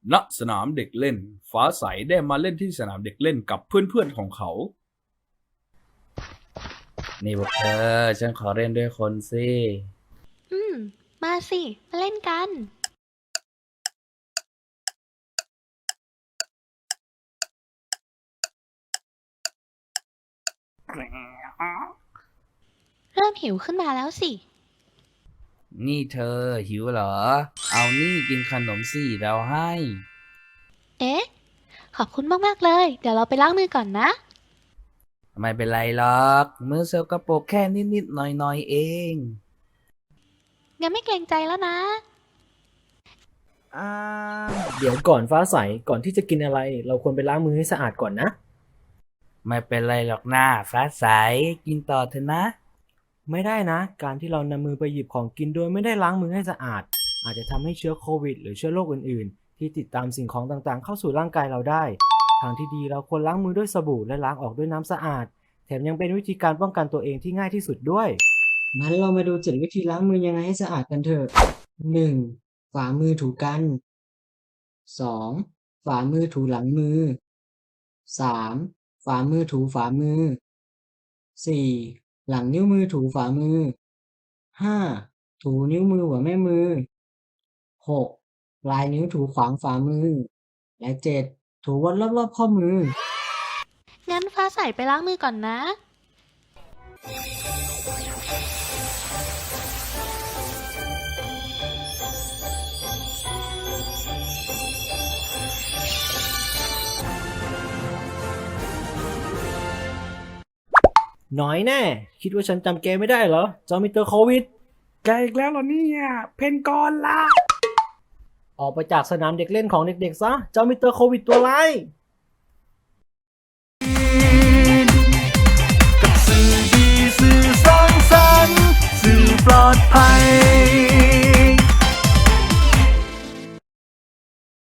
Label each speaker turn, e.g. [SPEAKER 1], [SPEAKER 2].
[SPEAKER 1] ณสนามเด็กเล่นฟ้าใสได้มาเล่นที่สนามเด็กเล่นกับเพื่อนๆของเขา นี่พวกเธอฉันขอเล่นด้วยคนสิ
[SPEAKER 2] มาสิ มาเล่นกัน เริ่มหิวขึ้นมาแล้วสิ
[SPEAKER 1] นี่เธอหิวเหรอ เอานี่กินขนมสิเราให้
[SPEAKER 2] เอ๊ะ ขอบคุณมากๆเลย เดี๋ยวเราไปล้างมือก่อนนะ
[SPEAKER 1] ไม่เป็นไรหรอก มือเซลกระโปรกแค่นิดๆหน่อยๆเอง
[SPEAKER 2] งั้นไม่เกรงใจแล้วนะ
[SPEAKER 3] อ่าเดี๋ยวก่อนฟ้าใสก่อนที่จะกินอะไร เราควรไปล้างมือให้สะอาดก่อนนะ
[SPEAKER 1] ไม่เป็นไรหรอกหน้าฟ้าใสกินต่อเถอะนะ
[SPEAKER 3] ไม่ได้นะ การที่เรานำมือไปหยิบของกินโดยไม่ได้ล้างมือให้สะอาด อาจจะทำให้เชื้อโควิดหรือเชื้อโรคอื่นๆ ที่ติดตามสิ่งของต่างๆ เข้าสู่ร่างกายเราได้ ทางที่ดีเราควรล้างมือด้วยสบู่และล้างออกด้วยน้ำสะอาด แถมยังเป็นวิธีการป้องกันตัวเองที่ง่ายที่สุดด้วย งั้นเรามาดู7วิธีล้างมือยังไงให้สะอาดกันเถอะ 1. ฝ่ามือถูกัน 2. ฝ่ามือถูหลังมือ 3. ฝ่ามือถูฝ่ามือ 4. หลังนิ้วมือถูฝ่ามือ 5. ถูนิ้วมือหัวแม่มือ 6. ปลายนิ้วถูขวางฝ่ามือ และ 7. ถูวนรอบๆข้อมือ
[SPEAKER 2] งั้นฟ้าใสไปล้างมือก่อนนะ
[SPEAKER 3] น้อยแน่ คิดว่าฉันจำแกไม่ได้เหรอจอมิสเตอร์โควิด
[SPEAKER 1] แกอีกแล้วเหรอเนี่ยเพนกอนละ
[SPEAKER 3] ออกไปจากสนามเด็กเล่นของเด็กๆซะเจ้ามิสเตอร์โควิดตัวร้าย
[SPEAKER 4] กับสื่อดีสื่อสร้างสรรค์สื่อปลอดภัย